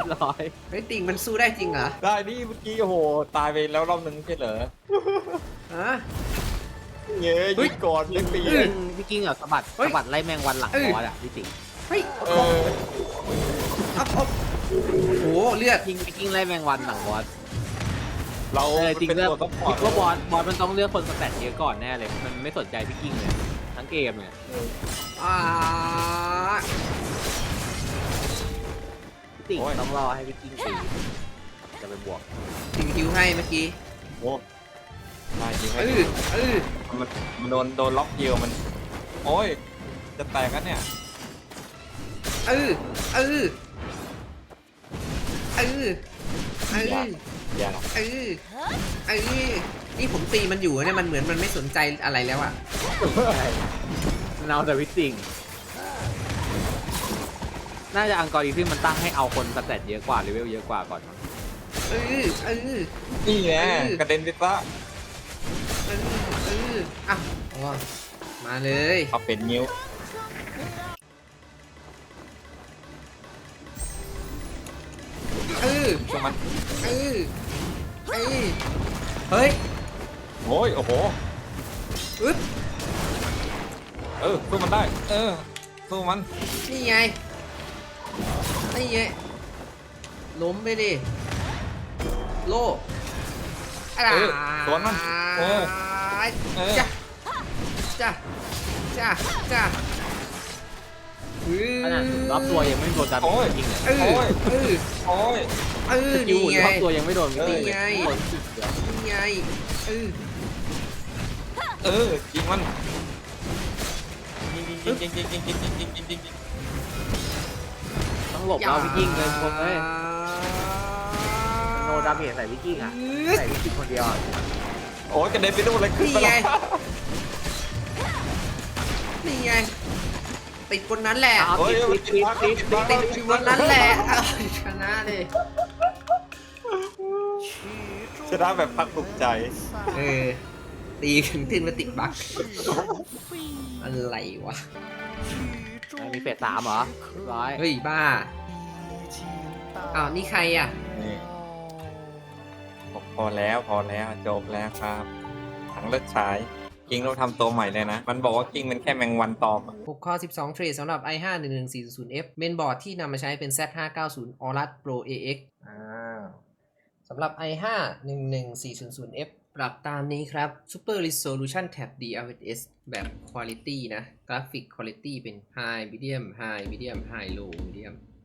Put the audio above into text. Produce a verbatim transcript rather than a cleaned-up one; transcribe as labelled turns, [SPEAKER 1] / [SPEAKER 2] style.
[SPEAKER 1] บร้อย
[SPEAKER 2] เฮ้ยติ่งมันสู้ได้จริงเหรอ
[SPEAKER 3] ได้นี่เมื่อกี้โอ้โหตายไปแล้วรอบนึงไม่ใช่เหรอ
[SPEAKER 2] ฮะ
[SPEAKER 3] เย้ยยิงก่อนเล็กตี
[SPEAKER 1] พี่กิ้งพี่กิ้งอะสะบัดสะบัดไล่แมงวันหลังบอสอะพี่ติ๋ง
[SPEAKER 2] เฮ้ย
[SPEAKER 3] เออ
[SPEAKER 2] เอาเอาโอ้โหเลือด
[SPEAKER 1] กิ้งพี่กิ้งไล่แมงวันหลังบอส
[SPEAKER 3] เรา
[SPEAKER 1] เออจริง
[SPEAKER 3] เป็น
[SPEAKER 1] เลือก
[SPEAKER 3] ตัวซัพพอร์ต
[SPEAKER 1] คิดว่าบอสบอสมันต้องเลือกคนสแตทเยอะก่อนแน่เลยมันไม่สนใจพี่กิ้งเลยทั้งเกมเนี่ย
[SPEAKER 2] อ่า
[SPEAKER 1] พี่ติ๋งต้องรอให้พี่กิ้งตีจะไปบวก
[SPEAKER 2] ติ่งฮิวให้เมื่อกี้
[SPEAKER 3] โอ้ได้จริงไหม
[SPEAKER 2] เออเออ
[SPEAKER 3] มันมันโดนโดนล็อกเยียวมันโอ้ยจะแตกกันเนี่ย
[SPEAKER 2] เออเออเออเออ
[SPEAKER 3] อย่า
[SPEAKER 2] เออเออนี่ผมตีมันอยู่เนี่ยมันเหมือนมันไม่สนใจอะไรแล้วอะ
[SPEAKER 1] มันเอาแต่พี่ติ๋งน่าจะอังกอริทึมมันตั้งให้เอาคนสแตทเยอะกว่าเลเวลเยอะกว่าก่อนมั้ง
[SPEAKER 2] เออเออ
[SPEAKER 3] นี่แน่
[SPEAKER 2] เออ
[SPEAKER 3] กระเด็นไปซะ
[SPEAKER 2] เออเอออ่ะอ๋อมาเลย
[SPEAKER 3] เอาเป็นนิ้ว
[SPEAKER 2] เออ
[SPEAKER 3] ช่วงมัน
[SPEAKER 2] เออเออเฮ้ย
[SPEAKER 3] โอ้ยโอ้โห
[SPEAKER 2] อึ๊บ
[SPEAKER 3] เออสู้มันได้ เออสู้มัน
[SPEAKER 2] นี่ไงนี่ไงล้มไปดิโล่อะไร
[SPEAKER 3] เออสวนมันเออเออ
[SPEAKER 2] จ้ะจ้ะจ้ะจ้ะอื้อ
[SPEAKER 1] ขนาดรอบตัวยังไม่โดนดาเม
[SPEAKER 3] โอ้ย
[SPEAKER 1] จจริงเลย
[SPEAKER 2] เออ
[SPEAKER 3] โอ้ย
[SPEAKER 2] เออ
[SPEAKER 3] โอ้ย
[SPEAKER 2] เออ
[SPEAKER 1] สกิล
[SPEAKER 2] นี่
[SPEAKER 1] หุ่น
[SPEAKER 2] ไง
[SPEAKER 1] รอบตัวยังไม่โดนพี่ติ๋ง
[SPEAKER 2] นี่
[SPEAKER 1] เลย
[SPEAKER 2] ไง
[SPEAKER 1] โดนสิบเดียว
[SPEAKER 2] นี่ไงเออ
[SPEAKER 3] เออยิงมันยิงยิงยิงยิงยิงยิงยิงยิงยิงยิงยิง
[SPEAKER 1] ต้องหลบเราพี่กิ้งเลยพวกเอ้ยโนดาเมจใส่พี่กิ้งอะใส่พี่กิ้งคนเดียวอะ
[SPEAKER 3] โอ้ยกระเด็นไปนู่นเลยขึ้น
[SPEAKER 2] นี่
[SPEAKER 3] ไป
[SPEAKER 2] ไง
[SPEAKER 3] แล้ว
[SPEAKER 2] นี่ไงติดคนนั้นแหละ
[SPEAKER 1] เอาติดติดติดติด
[SPEAKER 2] ติดอยู่บนนั้นแหละเอาชนะเลย
[SPEAKER 3] ชนะแบบพักภูมิใจ
[SPEAKER 2] เออตีถึงขึ้นมาติดบั๊กอะไรวะ
[SPEAKER 1] มีเฟสสามเหรอเรียบร้อย
[SPEAKER 2] เฮ้ยบ้าอ้าวนี่ใครอ่ะ
[SPEAKER 3] นี่พอแล้วพอแล้วจบแล้วครับถังเลิกฉายกิ้งเราทำตัวใหม่เลยนะ มันบอกว่ากิ้งเป็นแค่แมงวันตอมอะ
[SPEAKER 2] หกข้อสิบสองเทรดสำหรับ ไอ ห้า หนึ่งหนึ่งสี่ศูนย์ เอฟ เมนบอร์ดที่นำมาใช้เป็น แซด ห้าเก้าศูนย์ Aorus Pro เอ เอ็กซ์ อ่าสำหรับ ไอ ห้า หนึ่งหนึ่งสี่ศูนย์ เอฟ ปรับตามนี้ครับ Super Resolution Tab ดี แอล เอส แบบ Quality นะ Graphic Quality เป็น High Medium High Medium High Low Medium